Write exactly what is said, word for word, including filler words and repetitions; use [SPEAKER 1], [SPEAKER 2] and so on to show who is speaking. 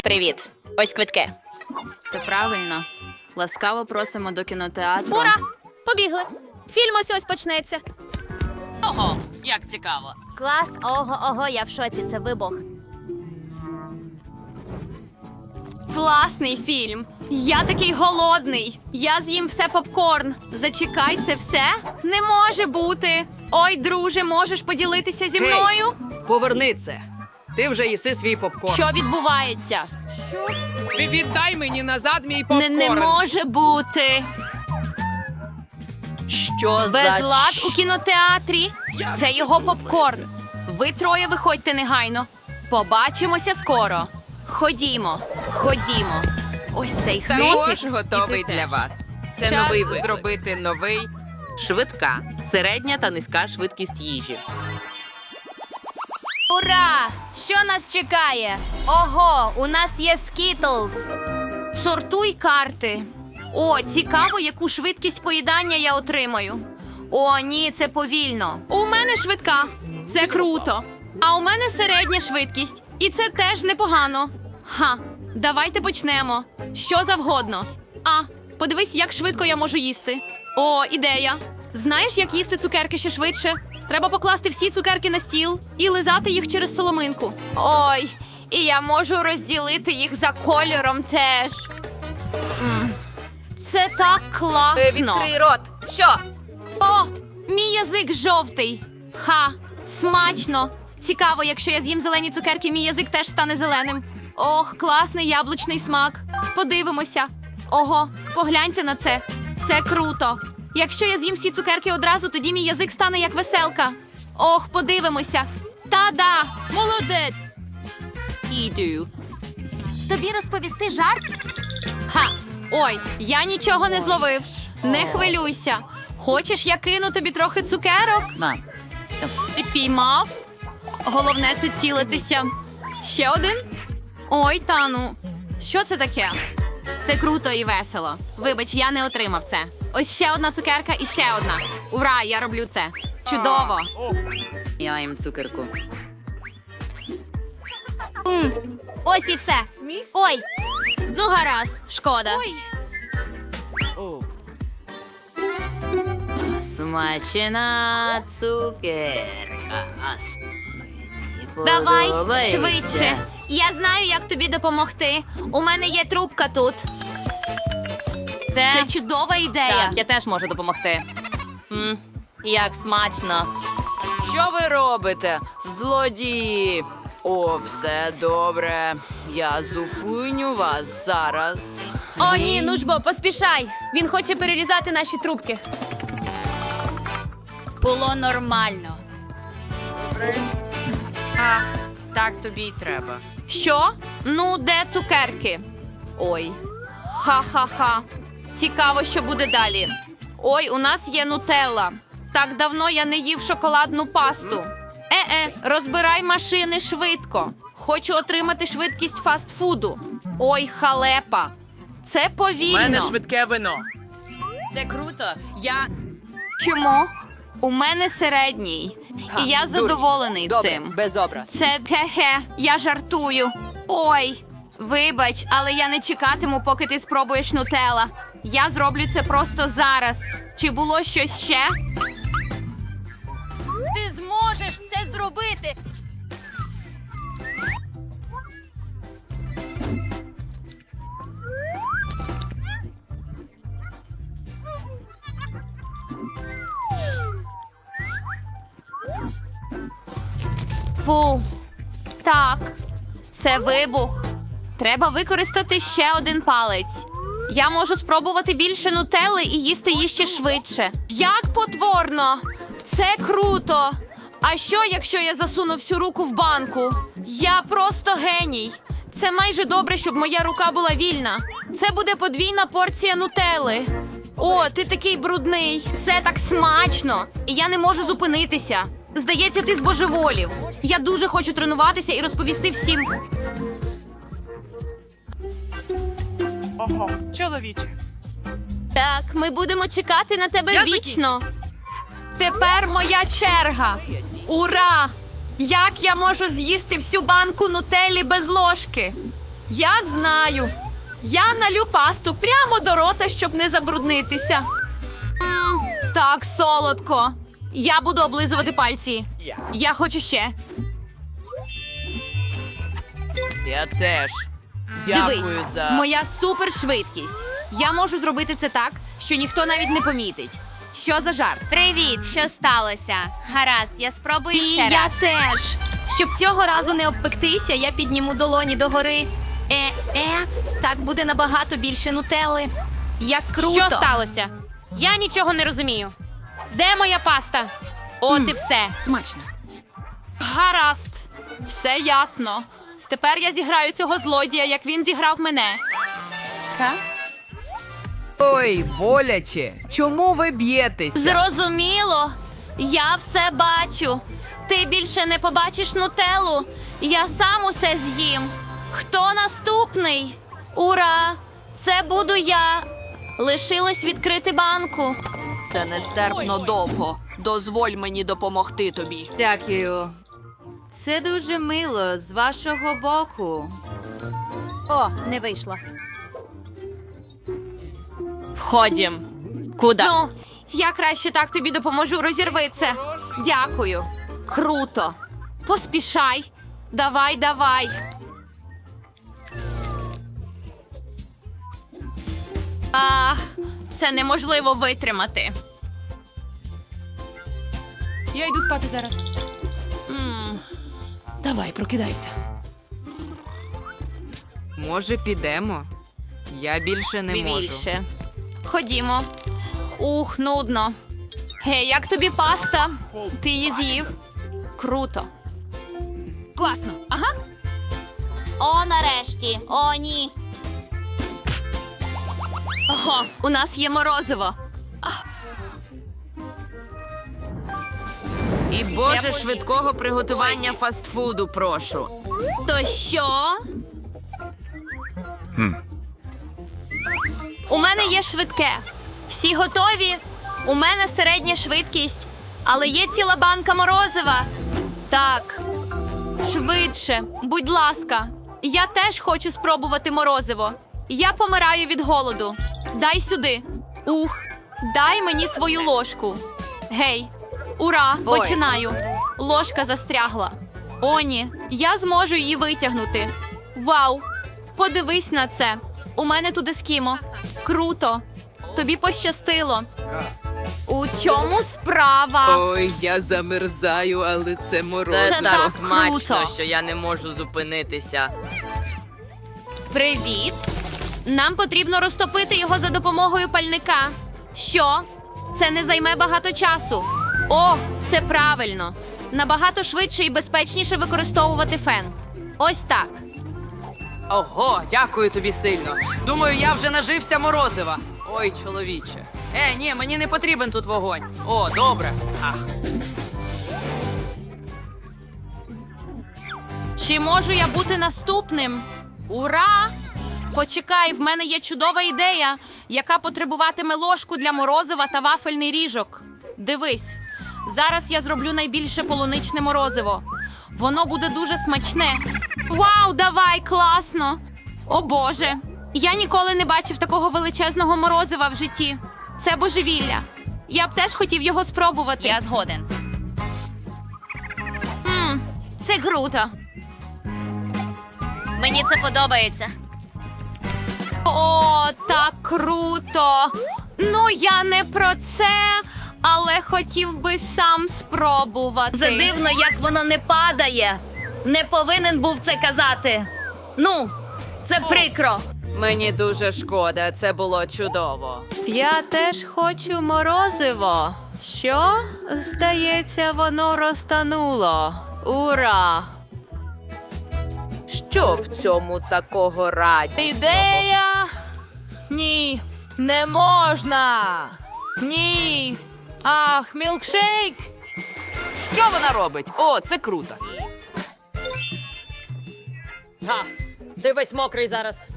[SPEAKER 1] Привіт. Ось квитки.
[SPEAKER 2] Це правильно. Ласкаво просимо до кінотеатру.
[SPEAKER 3] Ура! Побігли! Фільм ось ось почнеться.
[SPEAKER 4] Ого, як цікаво.
[SPEAKER 3] Клас, ого, ого, я в шоці, це вибух.
[SPEAKER 2] Класний фільм. Я такий голодний. Я з'їм все попкорн. Зачекай, це все? Не може бути. Ой, друже, можеш поділитися зі мною?
[SPEAKER 5] Поверни це. Ти вже їси свій попкорн.
[SPEAKER 2] Що відбувається?
[SPEAKER 5] Віддай мені назад мій
[SPEAKER 2] Не,
[SPEAKER 5] попкорн.
[SPEAKER 2] не може бути.
[SPEAKER 1] Що за
[SPEAKER 2] Безлад
[SPEAKER 1] ч-
[SPEAKER 2] у кінотеатрі. Це його попкорн. Ви троє виходьте негайно. Побачимося скоро. Ходімо, ходімо. Ось цей
[SPEAKER 6] Також
[SPEAKER 2] хнотик.
[SPEAKER 6] готовий
[SPEAKER 2] І ти
[SPEAKER 6] для
[SPEAKER 2] теж.
[SPEAKER 6] вас. Це
[SPEAKER 2] Час
[SPEAKER 6] новий виклик. Зробити новий швидка, середня та низька швидкість їжі.
[SPEAKER 3] Ура! Що нас чекає? Ого, у нас є скітлз.
[SPEAKER 2] Сортуй карти. О, цікаво, яку швидкість поїдання я отримаю. О, ні, це повільно. У мене швидка. Це круто. А у мене середня швидкість. І це теж непогано. Ха, давайте почнемо. Що завгодно. А, подивись, як швидко я можу їсти. О, ідея. Знаєш, як їсти цукерки ще швидше? Треба покласти всі цукерки на стіл і лизати їх через соломинку. Ой, і я можу розділити їх за кольором теж. М. Це так класно.
[SPEAKER 3] Відкрий рот. Що?
[SPEAKER 2] О, мій язик жовтий. Ха, смачно. Цікаво, якщо я з'їм зелені цукерки, мій язик теж стане зеленим. Ох, класний яблучний смак. Подивимося. Ого, погляньте на це. Це круто. Якщо я з'їм всі цукерки одразу, тоді мій язик стане як веселка. Ох, подивимося. Та-да! Молодець! Іду.
[SPEAKER 3] Тобі розповісти жарт?
[SPEAKER 2] Ха! Ой, я нічого не зловив. Не хвилюйся. Хочеш, я кину тобі трохи цукерок?
[SPEAKER 4] Мам,
[SPEAKER 2] Ти піймав? Головне це цілитися. Ще один? Ой, Тану. Що це таке? Це круто і весело. Вибач, я не отримав це. Ось ще одна цукерка і ще одна. Ура, я роблю це. Чудово.
[SPEAKER 4] я їм цукерку.
[SPEAKER 3] М, ось і все. Ой,
[SPEAKER 2] Ну, гаразд, шкода.
[SPEAKER 4] Смачена цукерка.
[SPEAKER 2] Давай,
[SPEAKER 4] Подобається.
[SPEAKER 2] швидше. Я знаю, як тобі допомогти. У мене є трубка тут.
[SPEAKER 4] Це,
[SPEAKER 2] Це чудова ідея.
[SPEAKER 4] Так, я теж можу допомогти. М, як смачно. Що ви робите, злодії? О, все добре. Я зупиню вас зараз.
[SPEAKER 2] О, ні, ну ж бо, поспішай. Він хоче перерізати наші трубки.
[SPEAKER 4] Було нормально.
[SPEAKER 6] А, так тобі й треба.
[SPEAKER 2] Що? Ну, де цукерки? Ой. Ха-ха-ха. Цікаво, що буде далі. Ой, у нас є нутелла. Так давно я не їв шоколадну пасту. Е-е, розбирай машини швидко. Хочу отримати швидкість фастфуду. Ой, халепа. Це
[SPEAKER 5] У
[SPEAKER 2] повільно.
[SPEAKER 5] мене швидке вино.
[SPEAKER 4] Це круто. Я
[SPEAKER 2] Чому? У мене середній. І я задоволений цим.
[SPEAKER 5] без образ.
[SPEAKER 2] Це хе-хе, я жартую. Ой, вибач, але я не чекатиму, поки ти спробуєш нутелла. Я зроблю це просто зараз. Чи було щось ще?
[SPEAKER 3] ти зможеш це зробити.
[SPEAKER 2] Фу. Так, це вибух. Треба використати ще один палець. Я можу спробувати більше нутелли і їсти її ще швидше. Як потворно! Це круто! А що, якщо я засуну всю руку в банку? Я просто геній. Це майже добре, щоб моя рука була вільна. Це буде подвійна порція нутелли. О, ти такий брудний. Це так смачно. І я не можу зупинитися. Здається, ти збожеволів. Я дуже хочу тренуватися і розповісти всім.
[SPEAKER 7] Ого, чоловіче.
[SPEAKER 2] Так, ми будемо чекати на тебе
[SPEAKER 7] Я
[SPEAKER 2] вічно. Тепер моя черга. Ура! Як я можу з'їсти всю банку нутеллі без ложки? Я знаю. Я налю пасту прямо до рота, щоб не забруднитися. М, так солодко. Я буду облизувати пальці. Я хочу ще.
[SPEAKER 4] Я теж. Дякую
[SPEAKER 2] Дивись,
[SPEAKER 4] за.
[SPEAKER 2] моя супершвидкість. Я можу зробити це так, що ніхто навіть не помітить. Що за жарт?
[SPEAKER 3] Привіт, що сталося? Гаразд, я спробую
[SPEAKER 2] І
[SPEAKER 3] ще
[SPEAKER 2] я
[SPEAKER 3] раз.
[SPEAKER 2] теж. Щоб цього разу не обпектися, я підніму долоні догори. Е-е, так буде набагато більше нутелли. Як круто.
[SPEAKER 3] Що сталося? Я нічого не розумію. Де моя паста? От і все.
[SPEAKER 2] Смачно. Гаразд. Все ясно. Тепер я зіграю цього злодія, як він зіграв мене.
[SPEAKER 4] Ой, боляче. Чому ви б'єтеся?
[SPEAKER 2] Зрозуміло. Я все бачу. Ти більше не побачиш нутеллу. Я сам усе з'їм. Хто наступний? Ура! Це буду я. Лишилось відкрити банку.
[SPEAKER 5] Це нестерпно довго. Дозволь мені допомогти тобі.
[SPEAKER 4] Дякую. Це дуже мило з вашого боку.
[SPEAKER 3] О, не вийшло.
[SPEAKER 2] Входім. Куди? Ну, я краще так тобі допоможу. Розірви це. Дякую. Круто. Поспішай. Давай, давай. Ах, це неможливо витримати.
[SPEAKER 5] Я йду спати зараз.
[SPEAKER 2] М,
[SPEAKER 5] Давай, прокидайся.
[SPEAKER 4] Може, підемо? Я більше не можу.
[SPEAKER 2] більше. Ходімо. Ух, нудно. Гей, як тобі паста? Ти її з'їв? Круто. Класно. Ага.
[SPEAKER 3] О, нарешті. О, ні.
[SPEAKER 2] Ого, у нас є морозиво.
[SPEAKER 6] І боже швидкого приготування фастфуду, прошу.
[SPEAKER 2] То що? У мене є швидке. Всі готові? У мене середня швидкість, але є ціла банка морозива. Так. Швидше, будь ласка. Я теж хочу спробувати морозиво. Я помираю від голоду. Дай сюди. Ух, дай мені свою ложку. Гей, ура,
[SPEAKER 4] Ой.
[SPEAKER 2] починаю. Ложка застрягла. О, ні, я зможу її витягнути. Вау! Подивись на це. У мене тут ескімо. Круто. Тобі пощастило. У чому справа?
[SPEAKER 6] Ой, я замерзаю, але це
[SPEAKER 2] Це
[SPEAKER 6] морозиво
[SPEAKER 2] так
[SPEAKER 6] смачно,
[SPEAKER 2] круто.
[SPEAKER 6] що я не можу зупинитися.
[SPEAKER 2] Привіт. Нам потрібно розтопити його за допомогою пальника. Що? Це не займе багато часу. О, це правильно. Набагато швидше і безпечніше використовувати фен. Ось так.
[SPEAKER 5] Ого, дякую тобі сильно. Думаю, я вже нажився морозива. Ой, чоловіче. Е, ні, мені не потрібен тут вогонь. О, добре. Ах.
[SPEAKER 2] Чи можу я бути наступним? Ура! Почекай, в мене є чудова ідея, яка потребуватиме ложку для морозива та вафельний ріжок. Дивись, зараз я зроблю найбільше полуничне морозиво. Воно буде дуже смачне. Вау, давай, класно! О Боже, я ніколи не бачив такого величезного морозива в житті. Це божевілля. Я б теж хотів його спробувати.
[SPEAKER 3] Я згоден.
[SPEAKER 2] М, це круто.
[SPEAKER 3] Мені це подобається.
[SPEAKER 2] О, так круто! Ну, я не про це, але хотів би сам спробувати.
[SPEAKER 3] Задивно, як воно не падає. Не повинен був це казати. Ну, це прикро.
[SPEAKER 4] Мені дуже шкода, це було чудово.
[SPEAKER 2] Я теж хочу морозиво. Що? Здається, воно розтануло. Ура!
[SPEAKER 4] Що в цьому такого радісного?
[SPEAKER 2] Ідея? Ні, не можна. Ні. Ах, мілкшейк.
[SPEAKER 5] Що вона робить? О, це круто.
[SPEAKER 1] Га, ти весь мокрий зараз.